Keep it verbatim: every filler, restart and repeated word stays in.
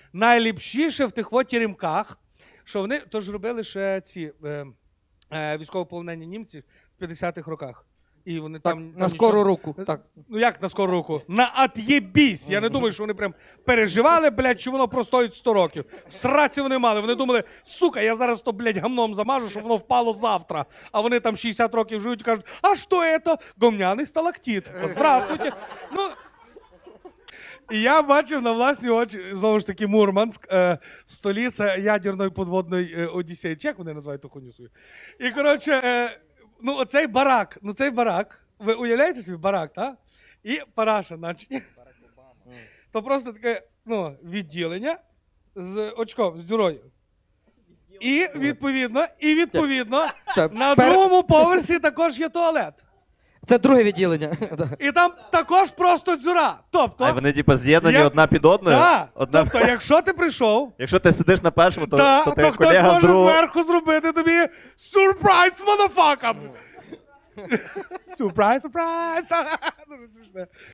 найліпшіше в тих от теремках, що вони тож робили ще ці е, е, військовополонені німці в п'ятдесятих роках. І вони Так, там, там на скору нічого... руку. Так. Ну як на скору руку? На от'єбісь. Я не думаю, що вони прям переживали, блядь, чи воно простоїть сто років. В сраці вони мали. Вони думали, сука, я зараз то, блядь, гамном замажу, щоб воно впало завтра. А вони там шістдесят років живуть і кажуть, а що це? Гомняний сталактит. Здравствуйте. Ну, і я бачив на власні очі, знову ж таки, Мурманськ, е, столиця ядерної підводної е, Одіссеї. Чи як вони називають ту хуйню свою? І, коротше, е, ну оцей барак, ну цей барак, ви уявляєте собі барак, так? І параша, значить. То просто таке, ну, відділення з очком, з дюрою. І відповідно, і відповідно, Так, на пер- другому поверсі також є туалет. Це друге відділення. Да. І там також просто дзюра. Тобто, А вони типу з'єднані Я- одна під одною? да, Одна... тобто, якщо ти прийшов, Якщо ти сидиш на першому, то, та, то то, ти хтось колега з може другого. зверху зробити тобі сюрприз, motherfucker! Сюрприз, сюрприз! Дуже смішне.